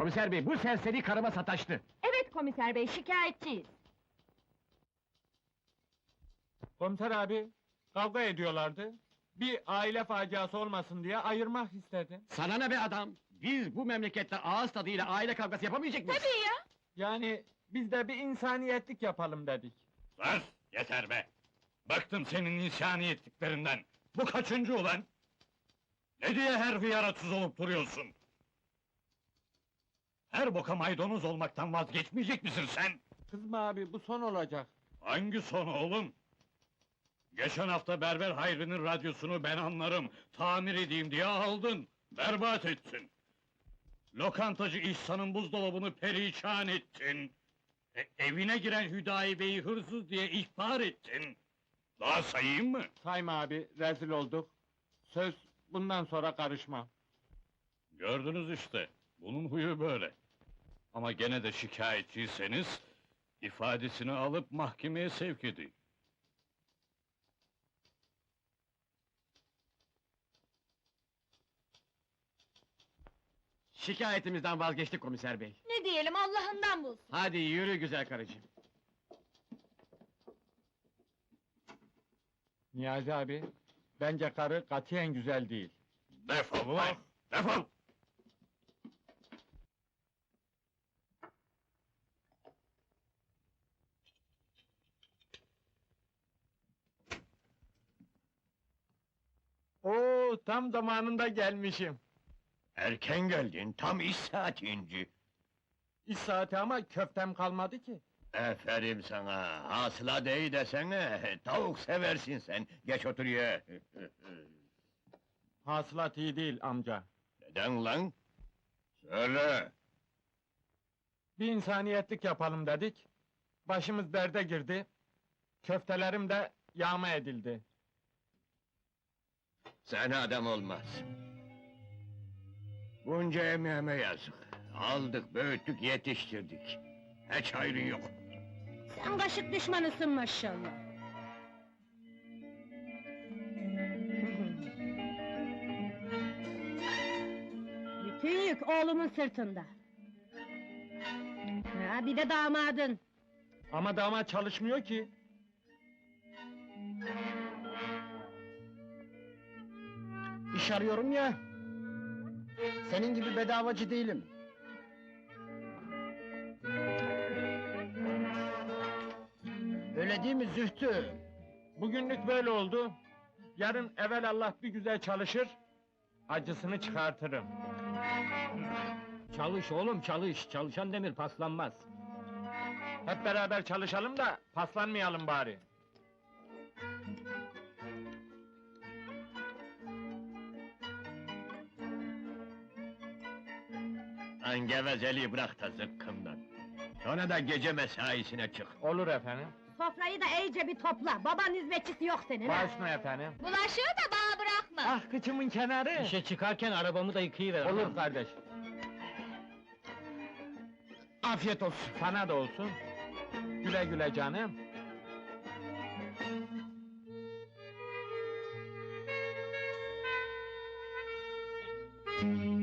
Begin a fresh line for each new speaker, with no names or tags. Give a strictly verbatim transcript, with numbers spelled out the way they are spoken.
Komiser bey, bu serseri karıma sataştı.
Evet komiser bey, şikayetçiyiz.
Komiser abi, kavga ediyorlardı. Bir aile faciası olmasın diye ayırmak istedim.
Sana ne be adam? Biz bu memlekette ağız tadıyla aile kavgası yapamayacak mıyız?
Tabii ya!
Yani biz de bir insaniyetlik yapalım dedik.
Sus! Yeter be! Bıktım senin insaniyetliklerinden! Bu kaçıncı ulan? Ne diye her hıyara tuz olup duruyorsun? Her boka maydanoz olmaktan vazgeçmeyecek misin sen?
Kızma abi, bu son olacak.
Hangi son oğlum? Geçen hafta Berber Hayri'nin radyosunu ben anlarım, tamir edeyim diye aldın, berbat ettin. Lokantacı İhsan'ın buzdolabını perişan ettin. E, evine giren Hüdayi Bey'i hırsız diye ihbar ettin. Daha sayayım mı?
Sayma abi, rezil olduk. Söz, bundan sonra karışmam.
Gördünüz işte, bunun huyu böyle. Ama gene de şikayetçiyseniz, ifadesini alıp mahkemeye sevk edin.
Şikayetimizden vazgeçtik komiser bey.
Ne diyelim, Allah'ından bulsun!
Hadi yürü güzel karıcığım.
Niyazi abi, bence karı katiyen güzel değil.
Defol ulan! Defol!
Oo, tam zamanında gelmişim.
Erken geldin, tam iş saatinci.
İş saati ama köftem kalmadı ki.
Aferin sana, hasıla değil desene, tavuk seversin sen, geç otur ye.
Hasılat iyi değil amca.
Neden lan? Söyle!
Bir insaniyetlik yapalım dedik. Başımız derde girdi. Köftelerim de yağma edildi.
Sana adam olmaz. Bunca emeğime yazık. Aldık, büyüttük, yetiştirdik. Hiç hayrın yok.
Sen kaşık düşmanısın maşallah! Bütün yük oğlumun sırtında! Ha, bir de damadın!
Ama damat çalışmıyor ki.
İş arıyorum ya. Senin gibi bedavacı değilim. Öyle değil mi Zühtü?
Bugünlük böyle oldu. Yarın evelallah bir güzel çalışır, acısını çıkartırım.
Çalış oğlum çalış, çalışan demir paslanmaz.
Hep beraber çalışalım da paslanmayalım bari.
Lan gevezeliği bırak da zıkkımdan. Sonra da gece mesaisine çık.
Olur efendim.
Sofrayı da iyice bir topla, baban hizmetçisi yok senin ha!
Başüstüne efendim.
Bulaşığı da bana bırakma!
Ah kıçımın kenarı!
İşe çıkarken arabamı da yıkayıver.
Olur kardeş. Afiyet olsun. Sana da olsun. Güle güle canım.
Müzik